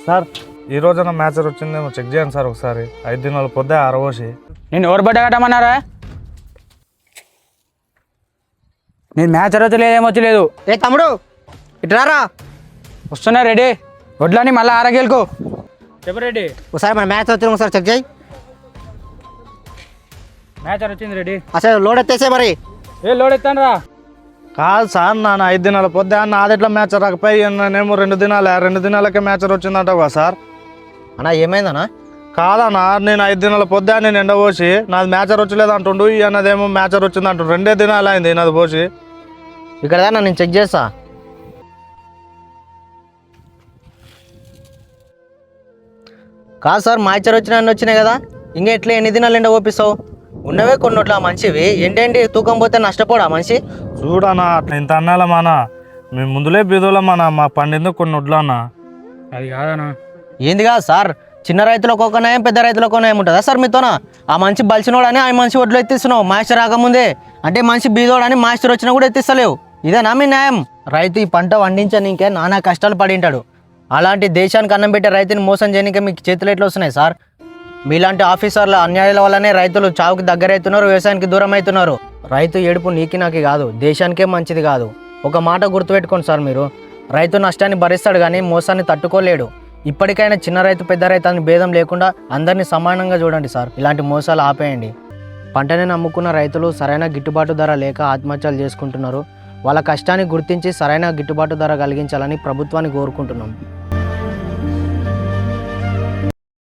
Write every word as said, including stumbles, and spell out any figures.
Sir ఈ రోజున మ్యాచర్ వచ్చిందేమో చెక్ చేయండి సార్ ఒకసారి. ఐదు దినాలు పొద్దే ఆరవోసి. నేను ఎవరు బట్ట కట్టమన్నారా? నేను మ్యాచ్ వచ్చలేదు ఏమొచ్చలేదు. ఏ తమ్ముడు ఇట్లారా వస్తున్నా రెడీ. వడ్లని మళ్ళీ ఆరగేలుకో చెప్పు రెడీ. ఒకసారి మన మ్యాచ్ వచ్చిన ఒకసారి చెక్ చేయి. మ్యాచ్ వచ్చింది రెడీ. అసలు లోడ్ ఎత్తేసే మరి. ఏ లోడ్ ఎత్తాను రా. కాదు సార్ నాన్న ఐదు దినాల పొద్దే అన్న నాదెట్లా మ్యాచర్ రాకపోయి నేనేమో రెండు దినాలే రెండు దినాలకే మ్యాచర్ వచ్చిందంటావు కదా సార్. అన్నా ఏమైందన్నా? కాదన్నా నేను ఐదు దినాల పొద్దే నేను ఎండ పోసి నాది మ్యాచర్ వచ్చలేదు అంటుండు, ఈ అన్నదేమో మ్యాచర్ వచ్చింది అంటుండు. రెండే దినాలు అయింది నాది పోసి. ఇక్కడ దాన్ని నేను చెక్ చేస్తా. కాదు సార్ మ్యాచర్ వచ్చిన అన్నీ వచ్చినాయి కదా, ఇంకా ఎట్లా ఎన్ని దినాలు ఎండ ఓపిస్తావు? ఉన్నవే కొన్ని నోట్ల మంచివి ఏంటండి తూకం పోతే నష్టపోడా మనిషి? చూడన్నా అట్లా ఇంత అన్నాలా మానా, మేము ముందులే బీదోళమన్నా, మా పండింది కొన్ని వడ్లు అన్న. అది కాదనా. ఏంది కాదు సార్, చిన్న రైతులకు ఒక నయం పెద్ద రైతులకు ఒక నయం ఉంటుందా సార్ మీతోనా? ఆ మనిషి బలిసినోడని ఆ మనిషి ఒడ్లు ఎత్తిస్తున్నావు మాస్టర్ రాకముందే, అంటే మనిషి బీదోడని మాస్టర్ వచ్చినా కూడా ఎత్తిస్తలేవు. ఇదేనా మీ న్యాయం? రైతు ఈ పంట వండించనీకే నానా కష్టాలు పడింటాడు, అలాంటి దేశానికి అన్నం పెట్టే రైతుని మోసం చేయనికే మీకు చేతులు ఎట్లా వస్తున్నాయి సార్? మీలాంటి ఆఫీసర్ల అన్యాయాల వల్లనే రైతులు చావుకి దగ్గర అవుతున్నారు, వ్యవసాయానికి దూరం అవుతున్నారు. రైతు ఏడుపు నీకి నాకి కాదు, దేశానికే మంచిది కాదు. ఒక మాట గుర్తుపెట్టుకోండి సార్, మీరు రైతు నష్టాన్ని భరిస్తాడు కానీ మోసాన్ని తట్టుకోలేడు. ఇప్పటికైనా చిన్న రైతు పెద్ద రైతు అని భేదం లేకుండా అందరినీ సమానంగా చూడండి సార్. ఇలాంటి మోసాలు ఆపేయండి. పంటని నమ్ముకున్న రైతులు సరైన గిట్టుబాటు ధర లేక ఆత్మహత్యలు చేసుకుంటున్నారు. వాళ్ళ కష్టాన్ని గుర్తించి సరైన గిట్టుబాటు ధర కలిగించాలని ప్రభుత్వాన్ని కోరుకుంటున్నాం.